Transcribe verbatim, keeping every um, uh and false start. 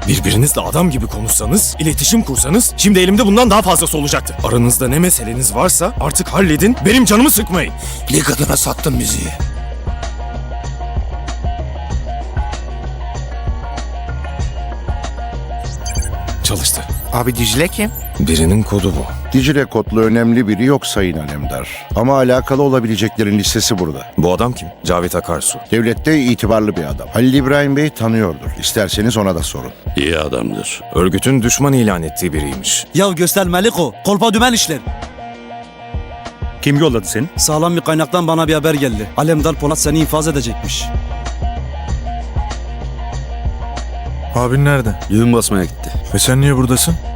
Birbirinizle adam gibi konuşsanız, iletişim kursanız şimdi elimde bundan daha fazlası olacaktı. Aranızda ne meseleniz varsa artık halledin, benim canımı sıkmayın. Lig adına sattın bizi. Çalıştı. Abi Dicle kim? Birinin kodu bu. Dicle kodlu önemli biri yok Sayın Alemdar. Ama alakalı olabileceklerin listesi burada. Bu adam kim? Cavit Akarsu. Devlette itibarlı bir adam. Halil İbrahim Bey tanıyordur. İsterseniz ona da sorun. İyi adamdır. Örgütün düşman ilan ettiği biriymiş. Ya göster Meliko, kolpa dümen işler. Kim yolladı seni? Sağlam bir kaynaktan bana bir haber geldi. Alemdar Polat seni infaz edecekmiş. Abin nerede? Düğün basmaya gitti. Ve sen niye buradasın?